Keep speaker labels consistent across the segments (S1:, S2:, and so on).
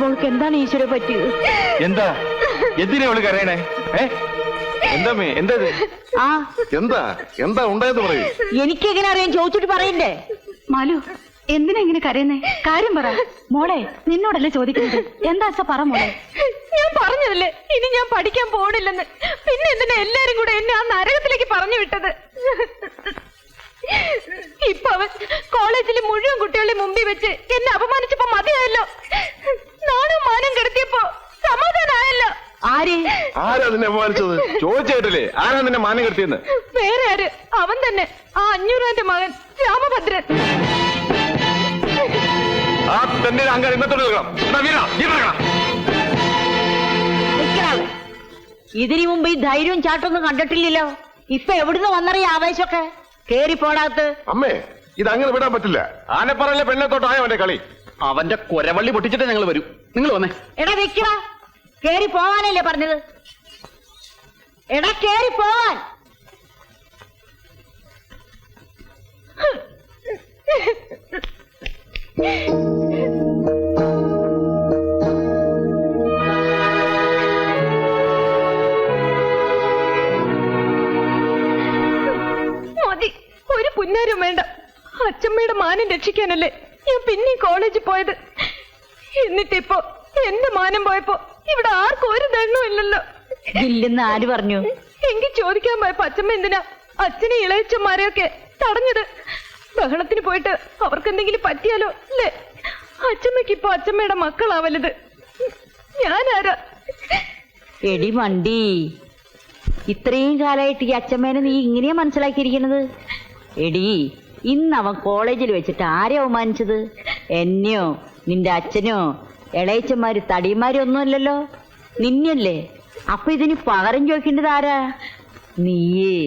S1: മോൾക്ക് എന്താണ് ഈശ്വര പറ്റിയത്?
S2: എന്താ എന്തിനാ അവള് കരയണേ? എന്താ എന്താ
S3: എന്താ എന്താ ഉണ്ടായത് പറയൂ.
S1: എനിക്കെങ്ങനെ അറിയാൻ? ചോദിച്ചിട്ട് പറയണ്ടേ?
S4: മാലു, എന്തിനാ ഇങ്ങനെ കരയുന്നേ? കാര്യം പറ മോളെ. നിന്നോടല്ലേ ചോദിക്കുന്നത്. എന്താ അച്ഛ പറ മോളെ.
S5: ഞാൻ പറഞ്ഞതല്ലേ ഇനി ഞാൻ പഠിക്കാൻ പോണില്ലെന്ന്. പിന്നെ എന്തിനാ എല്ലാരും കൂടെ എന്നെ ആ നരകത്തിലേക്ക് പറഞ്ഞു വിട്ടത്? ഇപ്പൊ അവൻ കോളേജിലെ മുഴുവൻ കുട്ടികളുടെ മുമ്പിൽ വെച്ച് എന്നെ അപമാനിച്ചപ്പോ മതിയായല്ലോ. നാണും മാനം കെടുത്തിയപ്പോ സമാധാനമായല്ലോ.
S3: ആരാ നിന്നെ അപമാനിച്ചത്? ചോദിച്ചേട്ടില്ലേ ആരാ നിന്നെ മാനം കെടുത്തിയെന്ന്?
S5: വേറെ ആര്? അവൻ തന്നെ, ആ 500 മകൻ രാമഭദ്രൻ.
S3: ആ തന്നെ അങ്കാരം ഇന്നത്തോടെ
S1: ഇതിനു മുമ്പ് ഈ ധൈര്യവും ചാട്ടൊന്നും കണ്ടിട്ടില്ലല്ലോ. ഇപ്പൊ എവിടുന്ന് വന്നറിയ ആവേശമൊക്കെ? കേറി പോടാത്ത്.
S3: അമ്മേ, ഇത് അങ്ങനെ വിടാൻ പറ്റില്ല. ആനപ്പറയിലെ പെണ്ണത്തോട്ടായോ അവന്റെ കളി?
S2: അവന്റെ കൊരവള്ളി പൊട്ടിച്ചിട്ട് ഞങ്ങൾ വരൂ. നിങ്ങൾ വന്നേ.
S1: എടാ വെക്കടാ, കേറി പോവാനല്ലേ പറഞ്ഞത്? എടാ കേറി പോവാൻ.
S5: മതി, ഒരു പുന്നാരും വേണ്ട. അച്ഛമ്മയുടെ മാനം രക്ഷിക്കാനല്ലേ ഞാൻ പിന്നെ കോളേജിൽ പോയത്. എന്നിട്ടിപ്പോ എന്റെ മാനം പോയപ്പോ ഇവിടെ ആർക്കും ഒരു ദണ്ണവും ഇല്ലല്ലോ.
S1: ഇല്ലെന്ന് ആര് പറഞ്ഞു?
S5: എങ്കിൽ ചോദിക്കാൻ പോയപ്പോ അച്ഛമ്മ എന്തിനാ അച്ഛനെ ഇളയച്ചന്മാരെയൊക്കെ തടഞ്ഞത്? ബഹളത്തിന് പോയിട്ട് അവർക്ക് എന്തെങ്കിലും പറ്റിയാലോ അല്ലേ? അച്ഛമ്മയ്ക്ക് ഇപ്പൊ അച്ഛമ്മയുടെ മക്കളാവല്ലത്. ഞാനാരാ?
S1: എടി വണ്ടി, ഇത്രയും കാലമായിട്ട് ഈ അച്ഛമ്മേനെ നീ ഇങ്ങനെയാ മനസ്സിലാക്കിയിരിക്കണത്? എടി, ഇന്ന് അവൻ കോളേജിൽ വെച്ചിട്ട് ആരെ അവമാനിച്ചത്? എന്നെയോ നിന്റെ അച്ഛനോ ഇളയച്ചന്മാര് തടിയന്മാരും ഒന്നുമല്ലല്ലോ, നിന്നല്ലേ. അപ്പൊ ഇതിന് പകരം ചോദിക്കേണ്ടത് ആരാ? നീയേ.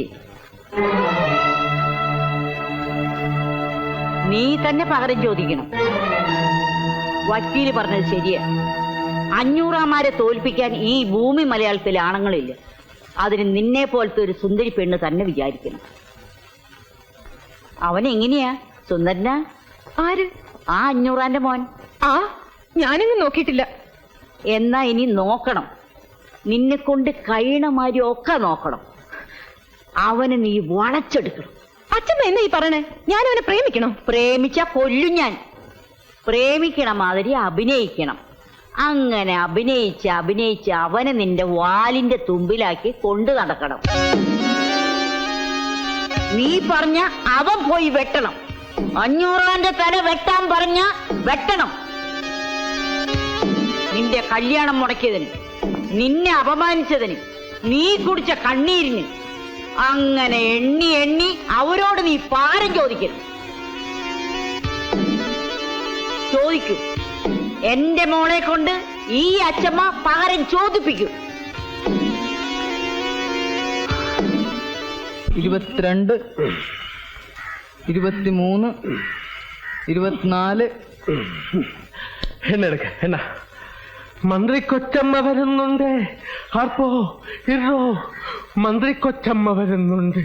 S1: നീ തന്നെ പകരം ചോദിക്കണം. വക്കീല് പറഞ്ഞത് ശരിയാ. 500 തോൽപ്പിക്കാൻ ഈ ഭൂമി മലയാളത്തിൽ ആണുങ്ങളില്ല. അതിന് നിന്നെ പോലത്തെ ഒരു സുന്ദരി പെണ്ണ് തന്നെ വിചാരിക്കണം. അവനെങ്ങനെയാ? സുന്ദരനാ?
S5: ആര്?
S1: ആ 500 മോൻ.
S5: ആ, ഞാനിങ്ങ് നോക്കിയിട്ടില്ല.
S1: എന്നാ ഇനി നോക്കണം. നിന്നെ കൊണ്ട് കഴിയണമാതിരി ഒക്കെ നോക്കണം. അവനെ നീ വളച്ചെടുക്കണം.
S5: അച്ഛമ്മ എന്നാ ഈ പറയണേ? ഞാൻ അവനെ പ്രേമിക്കണോ?
S1: പ്രേമിച്ച കൊല്ലും ഞാൻ. പ്രേമിക്കണ മാതിരി അഭിനയിക്കണം. അങ്ങനെ അഭിനയിച്ച് അവനെ നിന്റെ വാലിന്റെ തുമ്പിലാക്കി കൊണ്ടു നടക്കണം. നീ പറഞ്ഞ അവൻ പോയി വെട്ടണം. 500 തല വെട്ടാൻ പറഞ്ഞ വെട്ടണം. നിന്റെ കല്യാണം മുടക്കിയതിന്, നിന്നെ അപമാനിച്ചതിന്, നീ കുടിച്ച കണ്ണീരിന്, അങ്ങനെ എണ്ണി എണ്ണി അവരോട് നീ പാരം ചോദിക്കണം. ചോദിക്കൂ. എന്റെ മോളെ കൊണ്ട് ഈ അച്ഛമ്മ പകരം ചോദിപ്പിക്കും.
S6: 22, 23, 24.
S7: എന്നെടുക്ക എന്നാ മന്ത്രി കൊച്ചമ്മ വരുന്നുണ്ട്. ആർപ്പോ ഇറോ, മന്ത്രി കൊച്ചമ്മ വരുന്നുണ്ട്.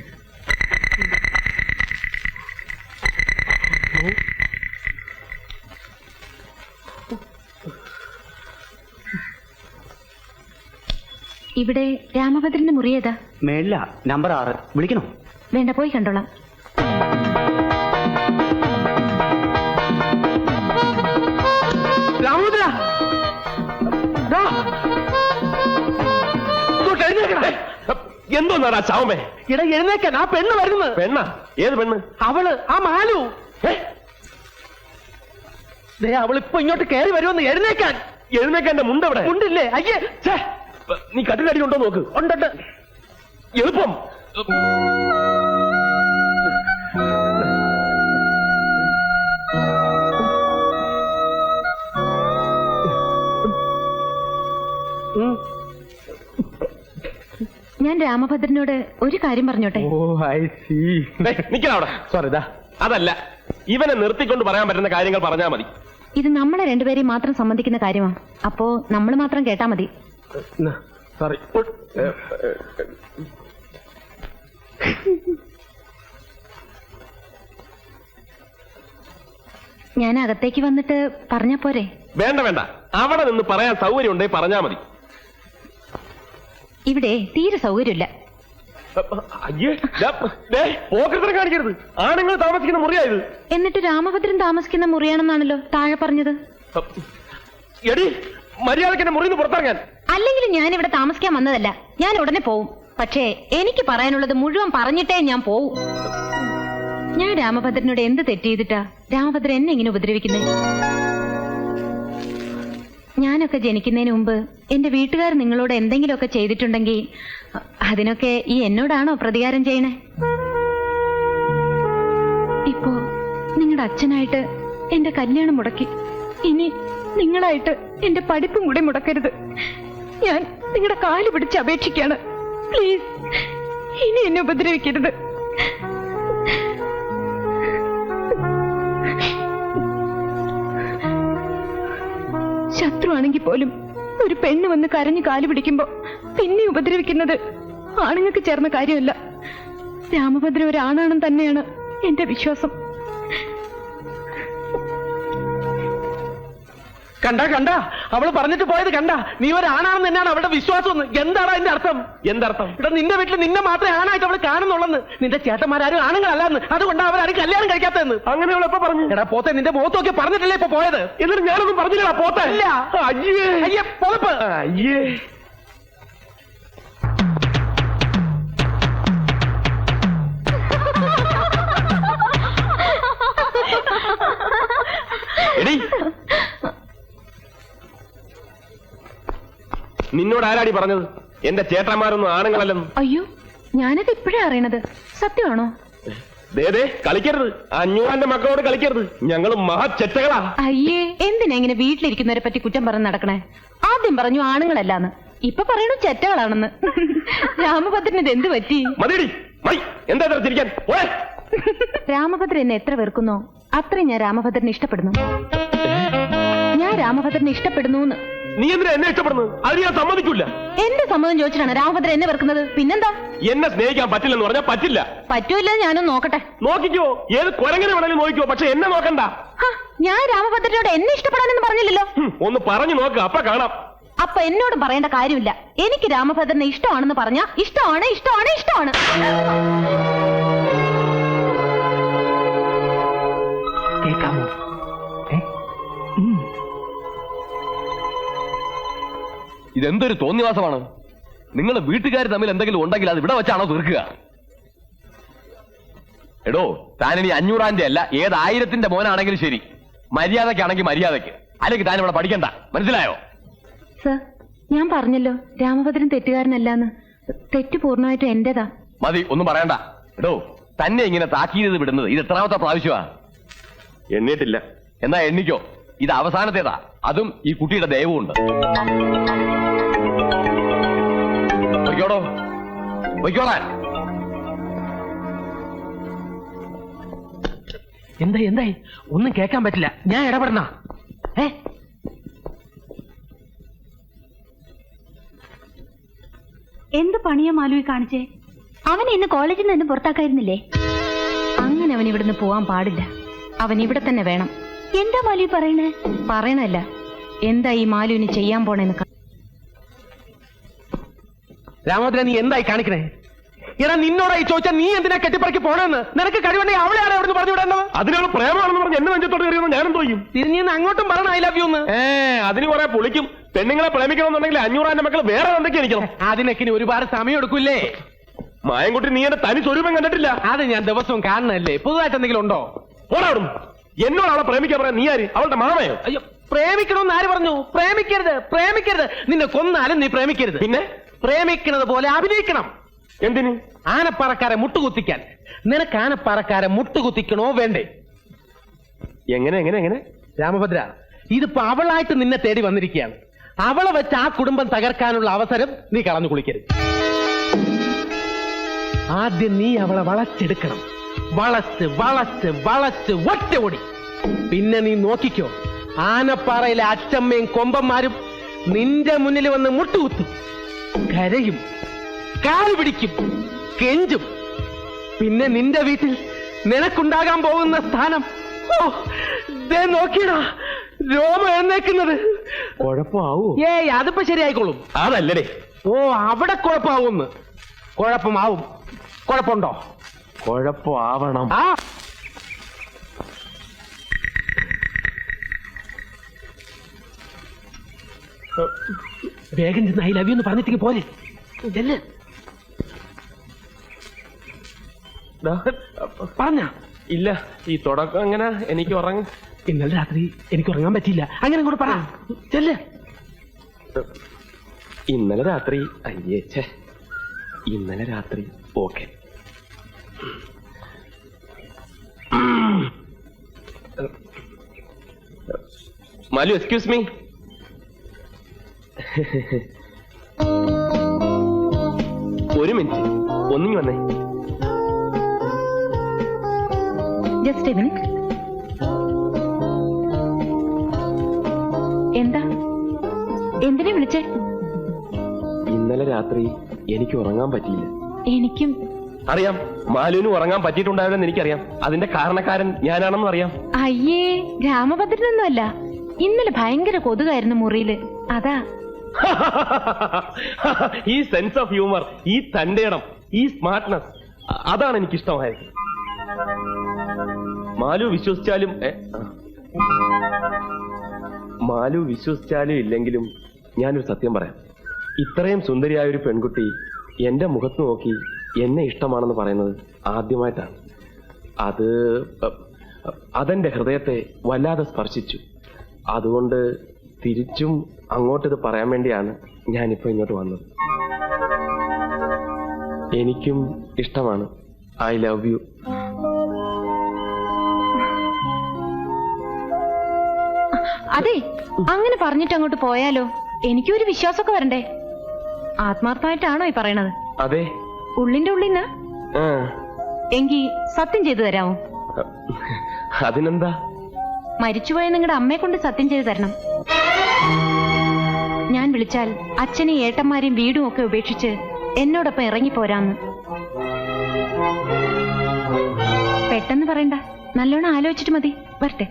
S4: ഇവിടെ രാമഭദ്രന്റെ മുറി ഏതാ?
S2: മേളില നമ്പർ 6. വിളിക്കണോ?
S4: വേണ്ട, പോയി കണ്ടോളാം.
S7: രാമഭദ്ര, എന്തോന്നാടാ ചാവമേ? ഇട എഴുന്നേക്കാൻ. ആ പെണ്ണ് വരുന്നത്. പെണ്ണ? ഏത് പെണ്ണ്? അവള്, ആ മാലു. അവളിപ്പോ ഇങ്ങോട്ട് കയറി വരുമെന്ന്. എഴുന്നേക്കാൻ. എഴുന്നേക്കാൻ. എന്റെ മുണ്ടെവിടെ? മുണ്ടില്ലേ? അയ്യേ, നീ കട്ടിലടി ഉണ്ടോ നോക്ക്. ഉണ്ടുണ്ട്. എളുപ്പം.
S4: ഞാൻ രാമഭദ്രനോട് ഒരു കാര്യം പറഞ്ഞോട്ടെ?
S7: Oh, I see. നിക്കണവിടെ. സോറി, അതല്ല, ഇവനെ നിർത്തിക്കൊണ്ട് പറയാൻ പറ്റുന്ന കാര്യങ്ങൾ പറഞ്ഞാൽ മതി.
S4: ഇത് നമ്മളെ രണ്ടുപേരെയും മാത്രം സംബന്ധിക്കുന്ന കാര്യമാണ്. അപ്പോ നമ്മൾ മാത്രം കേട്ടാ മതി.
S7: സോറി.
S4: ഞാൻ അകത്തേക്ക് വന്നിട്ട് പറഞ്ഞ പോരെ?
S7: വേണ്ട വേണ്ട, അവിടെ നിന്ന് പറയാൻ സൗകര്യം ഉണ്ടെങ്കിൽ പറഞ്ഞാ മതി.
S4: ഇവിടെ തീരെ സൗകര്യമില്ല.
S7: അയ്യേ, പോക്കറ്റിനെ കാണിക്കരുത്. ആണുങ്ങൾ താമസിക്കുന്ന മുറിയായത്.
S4: എന്നിട്ട് രാമഭദ്രൻ താമസിക്കുന്ന മുറിയാണെന്നാണല്ലോ താഴെ പറഞ്ഞത്.
S7: എടി, മര്യാദക്ക് എന്നെ മുറിന്ന് പുറത്തിറങ്ങാൻ.
S4: അല്ലെങ്കിൽ ഞാൻ ഇവിടെ താമസിക്കാൻ വന്നതല്ല. ഞാൻ ഉടനെ പോവും. പക്ഷേ എനിക്ക് പറയാനുള്ളത് മുഴുവൻ പറഞ്ഞിട്ടേ ഞാൻ പോവും. ഞാൻ രാമഭദ്രനോട് എന്ത് തെറ്റ് ചെയ്തിട്ടാ രാമഭദ്രൻ എന്നെ ഇങ്ങനെ ഉപദ്രവിക്കുന്നത്? ഞാനൊക്കെ ജനിക്കുന്നതിന് മുമ്പ് എന്റെ വീട്ടുകാർ നിങ്ങളോട് എന്തെങ്കിലുമൊക്കെ ചെയ്തിട്ടുണ്ടെങ്കിൽ അതിനൊക്കെ ഈ എന്നോടാണോ പ്രതികാരം ചെയ്യണേ? ഇപ്പോ നിങ്ങളുടെ അച്ഛനായിട്ട് എന്റെ കല്യാണം മുടക്കി. ഇനി നിങ്ങളായിട്ട് എന്റെ പഠിപ്പും കൂടെ മുടക്കരുത്. ഞാൻ നിങ്ങളുടെ കാല് പിടിച്ച് അപേക്ഷിക്കാണ്. പ്ലീസ്, ഇനി എന്നെ ഉപദ്രവിക്കരുത്. ശത്രുവാണെങ്കിൽ പോലും ഒരു പെണ്ണ് വന്ന് കരഞ്ഞു കാല് പിടിക്കുമ്പോ പിന്നെ ഉപദ്രവിക്കുന്നത് ആണുങ്ങൾക്ക് ചേർന്ന കാര്യമല്ല. രാമഭദ്ര ഒരാണാണെന്ന് തന്നെയാണ് എന്റെ വിശ്വാസം.
S7: കണ്ട അവള് പറഞ്ഞിട്ട് പോയത് കണ്ട. നീ ഒരാണാണെന്ന് തന്നെയാണ് അവളുടെ വിശ്വാസം. എന്താണ് അതിന്റെ അർത്ഥം? എന്തർത്ഥം? ഇവിടെ നിന്റെ വീട്ടിൽ നിന്നെ മാത്രമേ ആണായിട്ട് അവള് കാണുന്നുള്ളെന്ന്. നിന്റെ ചേട്ടന്മാരും ആണുങ്ങളല്ലാന്ന്. അതുകൊണ്ടാണ് അവരാരും കല്യാണം കഴിക്കാത്തതെന്ന്. അങ്ങനെ അവൾ എപ്പോ പറഞ്ഞു? എടാ പോത്തെ, നിന്റെ മുഖത്തൊക്കെ പറഞ്ഞിട്ടല്ലേ ഇപ്പൊ പോയത്? എന്നിട്ട് ഞാനൊന്നും പറഞ്ഞില്ലടാ പോത്തെ. ഇല്ല. അയ്യേ അയ്യേ പൊളപ്പ്. അയ്യേ, എടി, നിന്നോട് ആരാടി പറഞ്ഞത് എന്റെ ചേട്ടന്മാരൊന്നും ആണുങ്ങളല്ലെന്ന്?
S4: അയ്യോ, ഞാനത് ഇപ്പോഴേ അറിയണത്. സത്യമാണോ?
S7: ദേ കളിക്കരുത്. 500 മക്കളോട് കളിക്കരുത്. ഞങ്ങൾ മഹാചെറ്റകളാ.
S4: അയ്യേ, എന്തിനാ ഇങ്ങനെ വീട്ടിലിരിക്കുന്നവരെ പറ്റി കുറ്റം പറഞ്ഞ് നടക്കണേ? ആദ്യം പറഞ്ഞു ആണുങ്ങളല്ലാന്ന്, ഇപ്പൊ പറയണു ചെറ്റകളാണെന്ന്. രാമഭദ്രന് ഇത് എന്ത് പറ്റി?
S7: മതിയടി, മതി. എന്താ ചിരിക്കാൻ?
S4: രാമഭദ്രൻ എന്നെ എത്ര വെറുക്കുന്നോ അത്രയും ഞാൻ രാമഭദ്രനെ ഇഷ്ടപ്പെടുന്നു. ഞാൻ രാമഭദ്രനെ ഇഷ്ടപ്പെടുന്നു.
S7: നീ എന്തിനാ എന്നെ ഇഷ്ടപ്പെടുന്നത്? അത് ഞാൻ സമ്മതിക്കൂല.
S4: എന്റെ സമ്മതം ചോദിച്ചിട്ടാണ് രാമഭദ്രൻ എന്നെ വെറുക്കുന്നത്. പിന്നെന്താ?
S7: എന്നെ സ്നേഹിക്കാൻ പറ്റില്ലെന്ന് പറഞ്ഞാൽ പറ്റില്ല.
S4: പറ്റൂല്ല, ഞാനൊന്ന് നോക്കട്ടെ.
S7: നോക്കിക്കോ, ഏത് കുരങ്ങനെ വേണമെങ്കിലും നോക്കിക്കോ, പക്ഷെ എന്നെ നോക്കണ്ട.
S4: ഞാൻ രാമഭദ്രനോട് എന്നെ ഇഷ്ടപ്പെടാനെന്ന് പറഞ്ഞില്ലല്ലോ.
S7: ഒന്ന് പറഞ്ഞു നോക്ക്, അപ്പൊ കാണാം.
S4: അപ്പൊ എന്നോടും പറയേണ്ട കാര്യമില്ല. എനിക്ക് രാമഭദ്രനെ ഇഷ്ടമാണെന്ന് പറഞ്ഞാ ഇഷ്ടമാണ്, ഇഷ്ടമാണ്, ഇഷ്ടമാണ്.
S6: കേൾക്കാമോ?
S2: ഇതെന്തൊരു തോന്നിവാസമാണ്. നിങ്ങൾ വീട്ടുകാർ തമ്മിൽ എന്തെങ്കിലും ഉണ്ടെങ്കിൽ അത് ഇവിടെ വെച്ചാണോ തീർക്കുക? എടോ, താനിനി 500 അല്ല, ഏത് 1000 മോനാണെങ്കിലും ശരി, മര്യാദക്കാണെങ്കിൽ മര്യാദക്ക്, അല്ലെങ്കിൽ താൻ ഇവിടെ പഠിക്കണ്ട. മനസ്സിലായോ?
S4: സർ, ഞാൻ പറഞ്ഞല്ലോ രാമഭദ്രൻ തെറ്റുകാരനല്ലാന്ന്. തെറ്റ് പൂർണ്ണമായിട്ടും എന്റേതാ.
S2: മതി, ഒന്നും പറയണ്ട. എടോ, തന്നെ ഇങ്ങനെ താക്കീത് വിടുന്നത് ഇത് എത്രാമത്തെ പ്രാവശ്യമാ?
S7: എണ്ണിട്ടില്ല.
S2: എന്നാ എണ്ണിക്കോ, ഇത് അവസാനത്തേതാ. അതും ഈ കുട്ടിയുടെ ദയവുമുണ്ട്. പൊയ്ക്കോടോ, പൊയ്ക്കോളാൻ.
S6: എന്തായി? ഒന്നും കേൾക്കാൻ പറ്റില്ല. ഞാൻ ഇടപെടണ?
S4: എന്ത് പണിയാ മാലുവി കാണിച്ചേ? അവൻ ഇന്ന് കോളേജിൽ നിന്ന് പുറത്താക്കായിരുന്നില്ലേ? അങ്ങനെ അവൻ ഇവിടുന്ന് പോവാൻ പാടില്ല. അവൻ ഇവിടെ തന്നെ വേണം. എന്താ മാലുവി പറയണേ? പറയണല്ല, എന്താ ഈ മാലുവിന് ചെയ്യാൻ പോണേന്ന്.
S7: രാമഭദ്രൻ, നീ എന്തായി കാണിക്കണേ? എടാ, നിന്നോടായി ചോദിച്ചാൽ നീ എന്തിനാ കെട്ടിപ്പറക്കി പോണെന്ന്? നിനക്ക് കഴിവുണ്ടെങ്കിൽ അവളെയാണ് അവിടെ പറഞ്ഞു വിടേണ്ടത്. അതിനാണ് പ്രേമാണെന്ന് പറഞ്ഞ് എന്നെ നെഞ്ചത്തോട് കയറിയെന്ന് ഞാനും തോന്നും. തിരിഞ്ഞ് അങ്ങോട്ടും പറയണം ഐ ലവ് യു എന്ന്. അതിന് കുറെ പൊളിക്കും. പെണ്ണുങ്ങളെ പ്രേമിക്കണമെന്നുണ്ടെങ്കിൽ 500 മക്കൾ വേറെ എന്തൊക്കെ എനിക്കണം. അതിനൊക്കെ ഇനി ഒരുപാട് സമയം എടുക്കൂല്ലേ? മായൻകുട്ടി, നീ എന്റെ തനി സ്വരൂപം കണ്ടിട്ടില്ല. അത് ഞാൻ ദിവസവും കാണണല്ലേ. പുതുതായിട്ട് എന്തെങ്കിലും ഉണ്ടോ? പോടാടും. എന്നോട് അവളെ പ്രേമിക്കാൻ പറയാൻ നീ ആര്? അവളുടെ മാമയോ? അയ്യോ, പ്രേമിക്കണമെന്ന് ആര് പറഞ്ഞു? പ്രേമിക്കരുത്, പ്രേമിക്കരുത്. നിന്നെ കൊന്നാലും നീ പ്രേമിക്കരുത്. പിന്നെ പ്രേമിക്കുന്നത് പോലെ അഭിനയിക്കണം. എന്തിന്? ആനപ്പാറക്കാരെ മുട്ടുകുത്തിക്കാൻ. നിനക്ക് ആനപ്പാറക്കാരെ മുട്ടുകുത്തിക്കണോ വേണ്ടേ? എങ്ങനെ എങ്ങനെ എങ്ങനെ? രാമഭദ്ര, ഇതിപ്പോ അവളായിട്ട് നിന്നെ തേടി വന്നിരിക്കുകയാണ്. അവളെ വെച്ച് ആ കുടുംബം തകർക്കാനുള്ള അവസരം നീ കളഞ്ഞു കുളിക്കരുത്. ആദ്യം നീ അവളെ വളച്ചെടുക്കണം. വളച്ച് വളച്ച് വളച്ച് ഒറ്റ ഓടി. പിന്നെ നീ നോക്കിക്കോ, ആനപ്പാറയിലെ അച്ചമ്മയും കൊമ്പന്മാരും നിന്റെ മുന്നിൽ വന്ന് മുട്ടുകുത്തും, കരയും, കാല് പിടിക്കും, കെഞ്ചും. പിന്നെ നിന്റെ വീട്ടിൽ നിനക്കുണ്ടാകാൻ പോകുന്ന സ്ഥാനം, ഓ നോക്കിയടാ രോമ എഴുന്നേക്കുന്നത്.
S3: കുഴപ്പമാവൂ?
S7: ഏയ് അതിപ്പോ ശരിയായിക്കോളും.
S3: അതല്ലേ.
S7: ഓ അവിടെ കുഴപ്പമാവുമെന്ന്. കുഴപ്പമാവും. കുഴപ്പമുണ്ടോ?
S3: കുഴപ്പമാവണം.
S7: ആ വേഗം ചെന്ന് ഐ ലവ് യു എന്ന് പറഞ്ഞിട്ടേക്ക് പോലെ. പറഞ്ഞ
S3: ഇല്ല, ഈ തുടക്കം എങ്ങനെ എനിക്ക് ഉറങ്ങും.
S7: ഇന്നലെ രാത്രി എനിക്ക് ഉറങ്ങാൻ പറ്റിയില്ല. അങ്ങനെ കൂടെ പറ. ചെല്ല്.
S3: ഇന്നലെ രാത്രി അയ്യേച്ചേ, ഇന്നലെ രാത്രി ഓക്കെ. Malu, excuse me. ഒരു മിനിറ്റ്, ഒന്നിങ്ങി വന്നേ.
S4: Just a minute. എന്താ? എന്തിനാ വിളിച്ചേ?
S3: ഇന്നലെ രാത്രി എനിക്ക് ഉറങ്ങാൻ പറ്റിയില്ല.
S4: എനിക്കും
S3: അറിയാം, മാലുവിന് ഉറങ്ങാൻ പറ്റിയിട്ടുണ്ടാവില്ലെന്ന് എനിക്കറിയാം. അതിന്റെ കാരണക്കാരൻ ഞാനാണെന്നും അറിയാം.
S4: അയ്യേ, രാമഭദ്രനൊന്നുമല്ല. ഇന്നലെ ഭയങ്കര കൊതുകായിരുന്നു മുറിയില്, അതാ.
S3: ഈ സെൻസ് ഓഫ് ഹ്യൂമർ, ഈ തന്റേടം, ഈ സ്മാർട്ട്നെസ്, അതാണ് എനിക്ക് ഇഷ്ടമായത്. മാലു വിശ്വസിച്ചാലും ഇല്ലെങ്കിലും ഞാനൊരു സത്യം പറയാം. ഇത്രയും സുന്ദരിയായ ഒരു പെൺകുട്ടി എന്റെ മുഖത്ത് നോക്കി എന്നെ ഇഷ്ടമാണെന്ന് പറയുന്നത് ആദ്യമായിട്ടാണ്. അതെന്റെ ഹൃദയത്തെ വല്ലാതെ സ്പർശിച്ചു. അതുകൊണ്ട് തിരിച്ചും അങ്ങോട്ടിത് പറയാൻ വേണ്ടിയാണ് ഞാനിപ്പോ ഇങ്ങോട്ട് വന്നത്. എനിക്കും ഇഷ്ടമാണ്. I love you.
S4: അതെ, അങ്ങനെ പറഞ്ഞിട്ട് അങ്ങോട്ട് പോയാലോ? എനിക്കൊരു വിശ്വാസമൊക്കെ വരണ്ടേ. ആത്മാർത്ഥമായിട്ടാണോ ഈ പറയണത്?
S3: അതെ,
S4: ഉള്ളിന്റെ ഉള്ളിന്ന്. എങ്കി സത്യം ചെയ്തു തരാമോ?
S3: അതിനെന്താ?
S4: മരിച്ചുപോയ നിങ്ങളുടെ അമ്മയെ കൊണ്ട് സത്യം ചെയ്തു തരണം. ഞാൻ വിളിച്ചാൽ അച്ഛനെയും ഏട്ടന്മാരെയും വീടും ഒക്കെ ഉപേക്ഷിച്ച് എന്നോടൊപ്പം ഇറങ്ങിപ്പോരാന്ന്. പെട്ടെന്ന് പറയണ്ട, നല്ലോണം ആലോചിച്ചിട്ട് മതി. വരട്ടെ.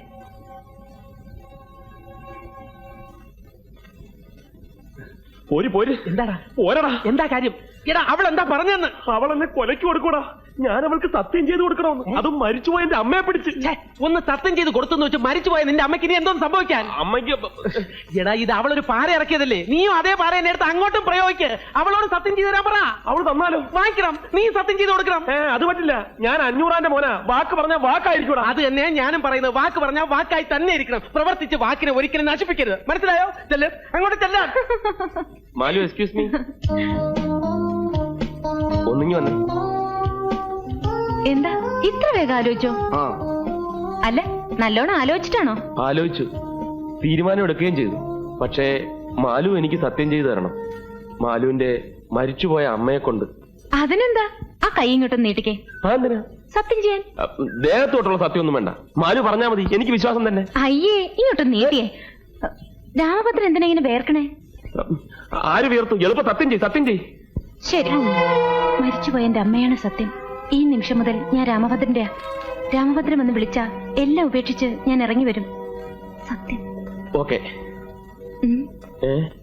S3: പോര്.
S7: എന്താടാ?
S3: പോരടാ.
S7: എന്താ കാര്യം? എടാ, അവൾ എന്താ പറഞ്ഞെന്ന്?
S3: അവൾ എന്നെ കൊലയ്ക്ക് കൊടുക്കൂടാ. ഞാൻ അവൾക്ക് സത്യം ചെയ്ത് കൊടുക്കണമെന്ന്. അതും മരിച്ചുപോയ എന്റെ അമ്മയെ പിടിച്ച്.
S7: ഒന്ന് സത്യം ചെയ്ത് കൊടുത്തെന്ന് വെച്ച് മരിച്ചുപോയ നിന്റെ അമ്മയ്ക്ക് ഇനി എന്തോന്ന് സംഭവിക്കാൻ?
S3: അമ്മയ്ക്ക്
S7: എടാ, ഇത് അവളൊരു പാര ഇറക്കിയതല്ലേ? നീയും അതേ പാര എന്നെ എടുത്ത് അങ്ങോട്ടും പ്രയോഗിക്ക്. അവളോട് സത്യം ചെയ്ത് തരാൻ പറ.
S3: അവൾ തന്നാലോ?
S7: വാങ്ങിക്കണം. നീ സത്യം ചെയ്ത് കൊടുക്കണം.
S3: അത് പറ്റില്ല. ഞാൻ 500 മോനാ. വാക്ക് പറഞ്ഞ വാക്കായിരിക്കൂടാ.
S7: അത് തന്നെ ഞാനും പറയുന്നത്. വാക്ക് പറഞ്ഞാൽ വാക്കായി തന്നെ ഇരിക്കണം. പ്രവർത്തിച്ച് വാക്കിനെ ഒരിക്കലും നശിപ്പിക്കരുത്. മനസ്സിലായോ? ചെല്ല്, അങ്ങോട്ട് ചെല്ലാൻ.
S3: Malu, excuse me. ഒന്നിങ്ങി വന്നേ.
S4: എന്താ ഇത്ര വേഗം ആലോചിച്ചോ? അല്ല, നല്ലോണം ആലോചിച്ചിട്ടാണോ?
S3: ആലോചിച്ചു, തീരുമാനം എടുക്കുകയും ചെയ്തു. പക്ഷേ മാലു എനിക്ക് സത്യം ചെയ്തു തരണം. മാലുവിന്റെ മരിച്ചുപോയ അമ്മയെ കൊണ്ട്.
S4: അതിനെന്താ? ആ കൈ ഇങ്ങോട്ടും നീട്ടിക്കേ.
S3: എന്തിനാ?
S4: സത്യം ചെയ്യാൻ.
S3: ദേഹത്തോട്ടുള്ള സത്യമൊന്നും വേണ്ട. മാലു പറഞ്ഞാൽ മതി, എനിക്ക് വിശ്വാസം തന്നെ.
S4: അയ്യേ, ഇങ്ങോട്ടും നീട്ടിയേ. രാമഭദ്രൻ എന്തിനാ ഇങ്ങനെ വേർക്കണേ?
S3: ആര് വീർത്തു? എളുപ്പം സത്യം ചെയ്.
S4: ശരി, മരിച്ചുപോയ എന്റെ അമ്മയാണ് സത്യം. ഈ നിമിഷം മുതൽ ഞാൻ രാമഭദ്രന്റെ. രാമഭദ്രൻ എന്ന് വിളിച്ചാ എല്ലാം ഉപേക്ഷിച്ച് ഞാൻ ഇറങ്ങി വരും. സത്യം.
S3: ഓക്കെ.